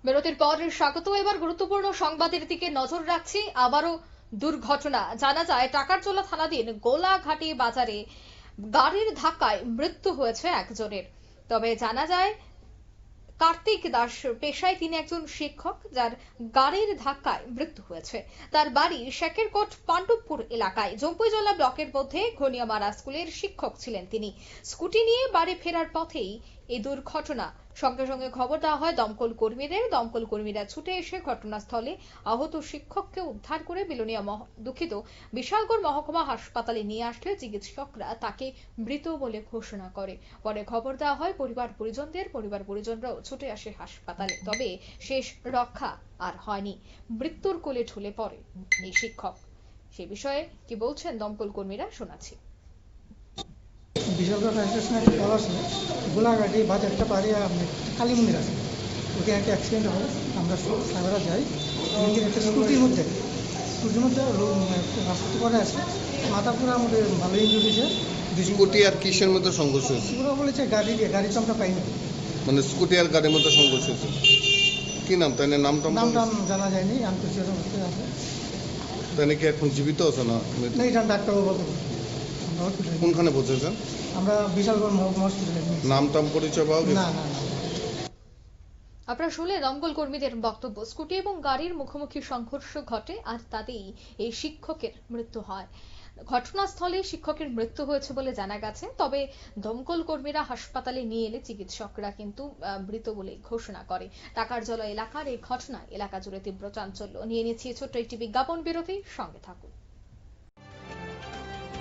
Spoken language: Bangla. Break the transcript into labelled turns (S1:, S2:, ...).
S1: বিরতির পর স্বাগত। এবার গুরুত্বপূর্ণ সংবাদের দিকে নজর রাখছি। আবারও দুর্ঘটনা। জানা যায় টাকারজলা থানাধীন গোলাঘাটি বাজারে গাড়ির ধাক্কায় মৃত্যু হয়েছে একজনের। তবে জানা যায় কার্তিক দাস পেশায় তিনি একজন শিক্ষক, যার গাড়ির ধাক্কায় মৃত্যু হয়েছে। তার বাড়ি শেখেরকোট পাণ্ডবপুর এলাকায়। জম্পুইজলা ব্লকের মধ্যে ঘনিয়ামারা স্কুলের শিক্ষক ছিলেন তিনি। স্কুটি নিয়ে বাড়ি ফেরার পথেই এই দুর্ঘটনা। সঙ্গে সঙ্গে খবর দেওয়া হয় দমকল কর্মীদের। দমকল কর্মীরা ছুটে এসে ঘটনাস্থলে আহত শিক্ষককে উদ্ধার করে বিশালগড় মহকুমা হাসপাতালে নিয়ে আসলে চিকিৎসকরা তাকে মৃত বলে ঘোষণা করে। পরে খবর দেওয়া হয় পরিবার পরিজনরাও ছুটে আসে হাসপাতালে। তবে শেষ রক্ষা আর হয়নি, মৃত্যুর কোলে ঢলে পড়ে এই শিক্ষক। সে বিষয়ে কি বলছেন দমকল কর্মীরা, শোনাচ্ছি।
S2: বিশালগড় ফায়ার স্টেশনে একটা কল আসে, গোলাঘাটি বাজারটা পারে কালী মন্দির আছে, ওখানে একটা অ্যাক্সিডেন্ট হয়। আমরা সাগরা যাই, একটা স্কুটির মধ্যে রাস্তা করে আসে, মাথা পুরো আমাদের ভালো ইঞ্জুরি হয়েছে।
S3: স্কুটি আর কিসের মধ্যে সংঘর্ষ হয়েছে?
S2: পুরো বলেছে গাড়ি তো আমরা পাইনি।
S3: মানে স্কুটি আর গাড়ির মধ্যে সংঘর্ষ হয়েছে। কি নাম? তাই নামটা
S2: জানা যায়নি। আনকোশিয়াস অবস্থায় আছে।
S3: তাই কি এখন জীবিত আছে না?
S2: এটা ডাক্তারবাবু বলতে
S3: কোনখানে পৌঁছেছেন?
S2: আমরা বিশালগড় মহকুমা হসপিটালে।
S3: নাম পরিচয় পাওয়া গেছে?
S2: না।
S1: আপনারা শুনলে দমকল কর্মীদের বক্তব্য। স্কুটি এবং গাড়ির মুখোমুখি সংঘর্ষ ঘটে আর তাতেই এই শিক্ষকের মৃত্যু হয়। ঘটনাস্থলে শিক্ষকের মৃত্যু হয়েছে বলে জানা গেছে। তবে দমকল কর্মীরা হাসপাতালে নিয়ে এলে চিকিৎসকরা কিন্তু মৃত বলে ঘোষণা করে। টাকারজলা এলাকার এই ঘটনায় এলাকা জুড়ে তীব্র চাঞ্চল্য। নিয়ে নিচ্ছি ছোট্ট একটি বিজ্ঞাপন বিরতি, সঙ্গে থাকুন।